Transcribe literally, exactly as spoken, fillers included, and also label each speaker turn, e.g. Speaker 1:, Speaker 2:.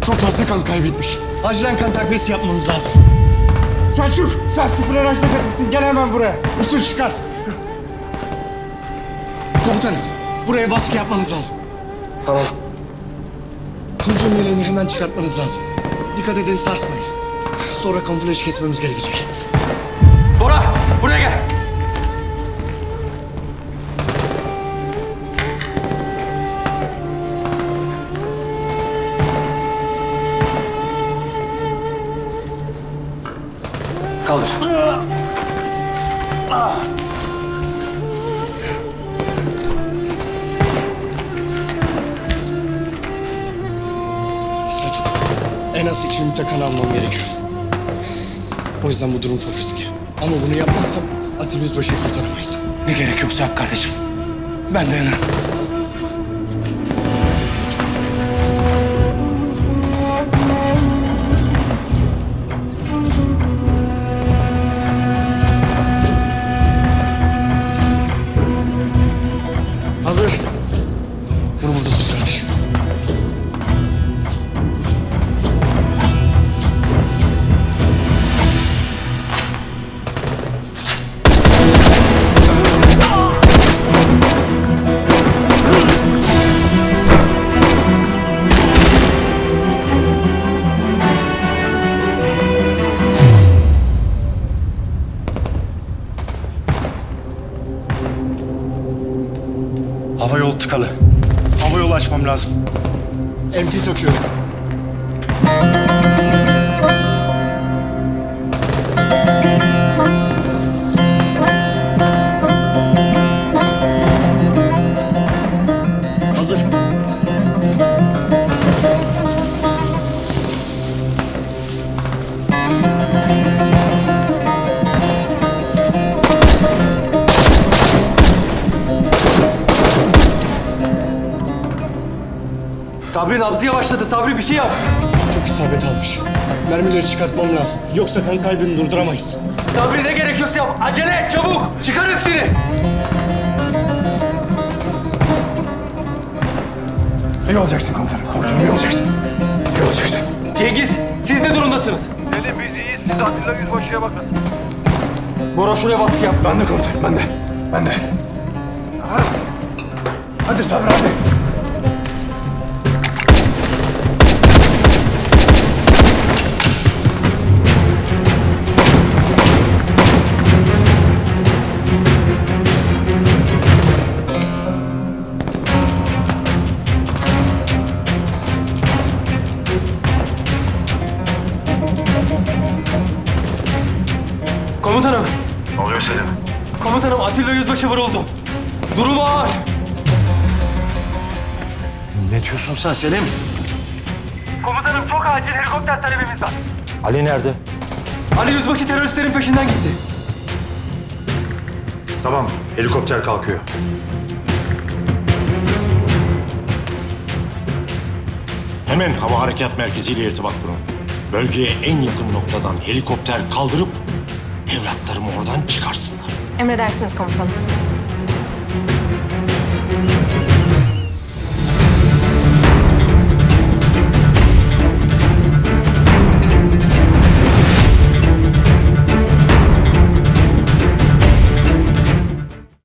Speaker 1: Çok fazla kan kaybetmiş. Acilen kan takviyesi yapmamız lazım. Selçuk, sen sıfır araçta katılsın. Gel hemen buraya. Usul çıkar. Komutanım, buraya baskı yapmanız lazım.
Speaker 2: Tamam.
Speaker 1: Hücum yeleğini hemen çıkartmanız lazım. Dikkat edin, sarsmayın. Sonra kamuflajı kesmemiz gerekecek.
Speaker 2: Bora, buraya gel. Kaldır.
Speaker 1: Selçuk, en az iki ünite kan almam gerekiyor. O yüzden bu durum çok riskli. Ama bunu yapmazsam Atilla Yüzbaşı'yı kurtaramayız.
Speaker 2: Ne gerek yoksa yap kardeşim. Ben dayanırım.
Speaker 1: Hazır. Bunu burada tut kardeşim.
Speaker 3: Hava yolu tıkalı. Hava yolu açmam lazım.
Speaker 1: M T takıyorum. Hazır.
Speaker 2: Sabri nabzı yavaşladı. Sabri bir şey yap.
Speaker 1: Çok isabet almış. Mermileri çıkartmam lazım. Yoksa kan kaybını durduramayız.
Speaker 2: Sabri ne gerekiyorsa yap. Acele et çabuk. Çıkar hepsini.
Speaker 3: İyi olacaksın komutanım. Komutanım iyi olacaksın. İyi olacaksın.
Speaker 2: Cengiz, siz ne durumdasınız?
Speaker 4: Selim biz iyiyiz. Siz Atilla Yüzbaşı'ya bakın.
Speaker 2: Bora şuraya baskı yap.
Speaker 3: Ben de komutanım. Ben de. Ben de. Ha. Hadi Sabri hadi.
Speaker 2: Komutanım.
Speaker 4: Ne oluyor Selim?
Speaker 2: Komutanım Atilla Yüzbaşı vuruldu. Durumu ağır.
Speaker 3: Ne diyorsun sen Selim?
Speaker 4: Komutanım çok acil helikopter talebimiz var.
Speaker 3: Ali nerede?
Speaker 2: Ali Yüzbaşı teröristlerin peşinden gitti.
Speaker 3: Tamam. Helikopter kalkıyor.
Speaker 5: Hemen Hava Harekat Merkezi ile irtibat kurun. Bölgeye en yakın noktadan helikopter kaldırıp evlatlarımı oradan çıkarsınlar.
Speaker 6: Emredersiniz komutanım.